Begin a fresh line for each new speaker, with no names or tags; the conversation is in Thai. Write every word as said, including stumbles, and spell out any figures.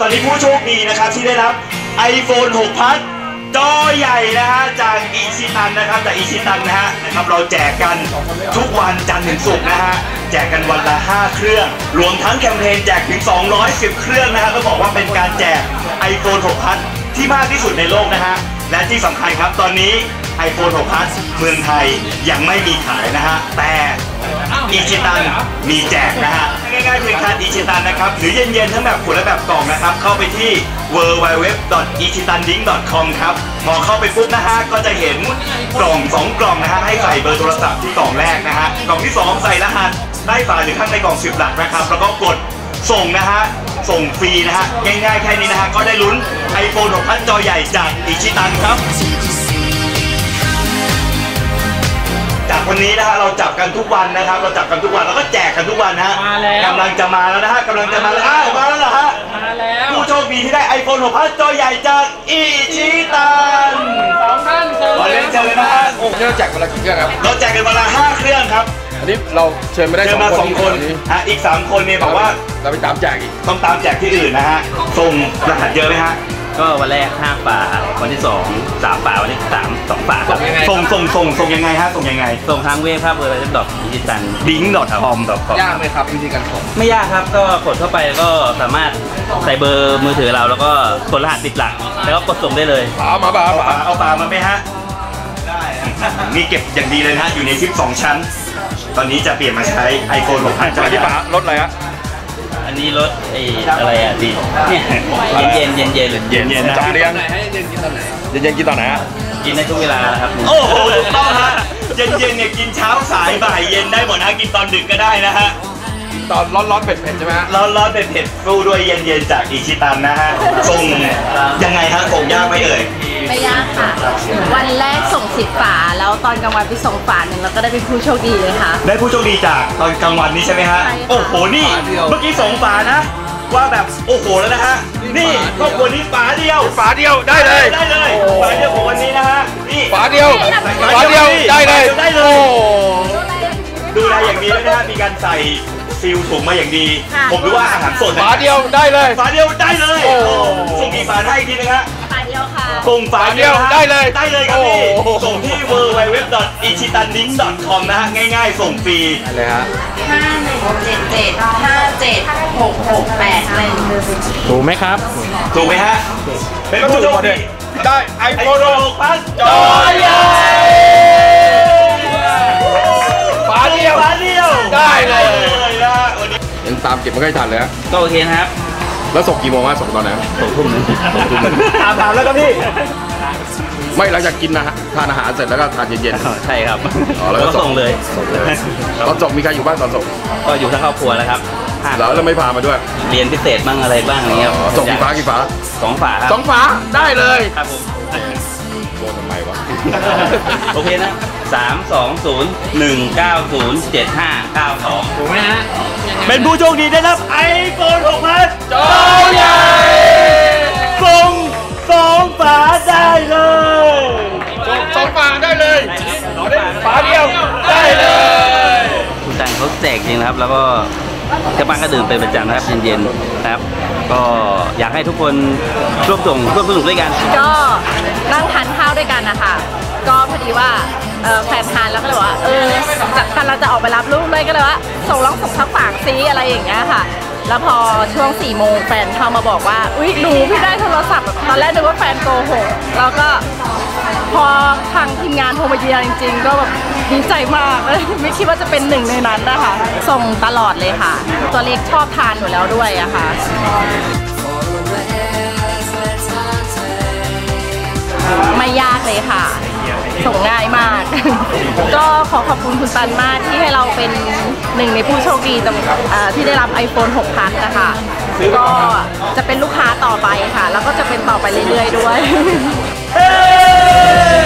อนนี้ผู้โชคดีนะครับที่ได้รับ ไอโฟน หก พัดจอใหญ่นะฮะจากอิชิตันนะครับจากอิชิตันนะฮะนะครับเราแจกกันทุกวันจันทร์ถึงศุกร์นะฮะแจกกันวันละห้าเครื่องรวมทั้งแคมเปญแจกถึงสองร้อยสิบเครื่องนะฮะต้องบอกว่าเป็นการแจก ไอโฟน หก พัดที่มากที่สุดในโลกนะฮะและที่สำคัญครับตอนนี้ ไอโฟน หก พัดเมืองไทยยังไม่มีขายนะฮะแต่อิชิตันมีแจกนะฮะง่ายๆเพียงแค่อิชิตันนะครับหรือเย็นๆทั้งแบบขวดและแบบกล่องนะครับเข้าไปที่ ดับเบิลยู ดับเบิลยู ดับเบิลยู ดอท อิชิตันดิ้ง ดอท คอม ครับพอเข้าไปปุ๊บนะฮะก็จะเห็นกล่องสองกล่องนะฮะให้ใส่เบอร์โทรศัพท์ที่กล่องแรกนะฮะกล่องที่สองใส่รหัสใต้ฝาหรือข้างในกล่องสิบหลักนะครับแล้วก็กดส่งนะฮะส่งฟรีนะฮะง่ายๆแค่นี้นะฮะก็ได้ลุ้น ไอโฟน หก พัดจอใหญ่จากอิชิตันครับจากวันนี้นะฮะเราจับกันทุกวันนะครับเราจับกันทุกวันแล้วก็แจกกันทุกวันนะฮะกำลังจะมาแล้วนะฮะกำลังจะมาแล้วอ้าวมาแล้วเหรอฮะมาแล้วผู้โชคดีที่ได้ ไอโฟน หก พัดจอใหญ่จากอิชิตันสองท่านเชิญเลยเชิญเลยนะฮะโอ้เราแจกวันละกี่เครื่องครับเราแจกกันวันละห้าเครื่องครับ
อันนี้เราเชิญไม่ได้
สองคนฮะอีกสามคนเนี่ยบอกว่า
เราไปตามแจกอีก
ต้องตามแจกที่อื่นนะฮะส่งรหัสเยอะไหมฮะ
ก็วันแรกห้าฝาวันที่สองสามฝาวันที่สามสองฝาครับ
ส่งส่งส่งส่งยังไงฮะส่งยังไง
ส่งทางเว็บครับเว็บดอทอิชิตัน
ดิ้งดอทคอม
ยากไหมครับวิธีการส่ง
ไม่ยากครับก็กดเข้าไปก็สามารถใส่เบอร์มือถือเราแล้วก็กดรหัสติดหลักแล้วก็กดส่งได้เลย
ฝามาฝา
ฝาเอาฝามาไหมฮะได้มีเก็บอย่างดีเลยนะฮะอยู่ในซิปสองชั้นตอนนี้จะเปลี่ยนมาใช้ ไอโฟน หก พัดจอ
ที่ฝารถอะไรฮะ
อันนี้รถไอ้อะไรอ่ะดิเย็นเย็นเย็นเย็น
เย็น
ๆจับเลี้ยงให้เย็นกินตอนไหนเย็นๆกินตอนไหนฮะ
กินได้ทุกเวลาครับ
โอ้โหถูกต้องฮะเย็นเย็นเนี่ยกินเช้าสายบ่ายเย็นได้หมดนะกินตอนดึกก็ได้นะฮะ
ตอนร้อนๆเผ็ดๆใช่ไหมฮะ
ร้อนๆเผ็ดๆฟูด้วยเย็นๆจากอิชิตันนะฮะส่งยังไงฮะส่งยากไหมเอ่ย
ไม่ยากค่ะวันแรกส่งสิบฝาแล้วตอนกลางวันไปส่งฝาหนึ่งแล้วก็ได้เป็นผู้โชคดีเลยค่ะ
ได้ผู้โชคดีจากตอนกลางวันนี้ใช่ไหมฮะโอ้โหนี่เมื่อกี้ส่งฝานะว่าแบบโอ้โหแล้วนะฮะนี่ครอบครัวนี้ฝาเดียว
ฝาเดียวได้เลย
ได้เลยฝาเดียวของวันนี้นะฮะนี่
ฝาเดียวฝาเดียวได้เลย
ได้เลยดูแลอย่างดีด้วยนะฮะมีการใส่ซิลถุงมาอย่างดีผมรู้ว่าอาหารสด
ฝาเดียวได้เลย
ฝาเดียวได้เลยส่งกี่ฝาให้ทีนะฮะ
ฝาเดียวค่ะ
ส่งฝาเดียว
ได้เลย
ได้เลยครับพี่ส่งที่ ดับเบิลยู ดับเบิลยู ดับเบิลยู ดอท อิชิตันดิ้ง ดอท คอม นะฮะง่ายๆส่งฟรี
เลยฮะ
ห้าหนึ่งเจ็ดเจ็ดห้าเจ็ดหกหกแปดหนึ่ง
ถูกไหมครับ
ถูกไหมฮะเป็นผู้โชคดี
ได้ ไอโฟน
หก พัดจอใหญ่
ฝาเดียว
ฝาเดียว
ได้เลยนะยังตามเก็บไม่ค่อยทันเลย
ก็โอเคนะครับ
แล้วส่งกี่โมงฮะส่งตอนไหน
ส่งทุ่มนึง
ถามถามแล้วครับพี่
ไม่หลังจากกินนะฮะทานอาหารเสร็จแล้วก็ทานเย็น
ๆใช่ครับ
อ๋อแล้วก็
ส่งเลย
ส่งเลยตอนส่งมีใครอยู่บ้างตอนส่ง
ก็อยู่ทั้งครอบครัวแล้วครับ
แล้วเราไม่พามาด้วย
เรียนพิเศษบ้างอะไรบ้างอะไรเงี้ย
ส่งกี่ฝากี่ฝา
สองฝาครับ
สองฝาได้เลย
ครับผม
โดนทำไมวะ
โอเคนะสามสองศูนย์หนึ่งเก้าศูนย์เจ็ดห้าเก้าสองถูกไหมฮะ
เป็นผู้โชคดีได้รับ ไอโฟน หก พัด
จอใหญ่
ส่งสองฝาได้เลย
ส่งสองฝาได้เลยฝาเดียวได้เลย
คุณตังเขาแจกจริงนะครับแล้วก็ชาวบ้านก็ดื่มเป็นประจำนะครับเย็นๆนะครับก็อยากให้ทุกคนร่วมส่งร่วมสนุกด้วยกัน
ก็นั่งทานข้าวด้วยกันนะคะก็พอดีว่าแฟนทานแล้วก็เลยว่าเออกันเราจะออกไปรับลูกเลยก็เลยว่าส่งร้องส่งทักฝากซีอะไรอย่างเงี้ยค่ะแล้วพอช่วงสี่โมงแฟนเข้ามาบอกว่าอุ๊ยหนูพี่ได้โทรศัพท์ตอนแรกนึกว่าแฟนโกหกแล้วก็พอทางทีมงานโทรมาเยียร์จริงๆก็แบบดีใจมากไม่คิดว่าจะเป็นหนึ่งในนั้นนะคะส่งตลอดเลยค่ะตัวเล็กชอบทานอยู่แล้วด้วยอะค่ะไม่ยากเลยค่ะส่งง่ายมากก็ขอขอบคุณคุณตันมากที่ให้เราเป็นหนึ่งในผู้โชคดีที่ได้รับ ไอโฟน หก พัดนะคะก็จะเป็นลูกค้าต่อไปค่ะแล้วก็จะเป็นต่อไปเรื่อยๆด้วย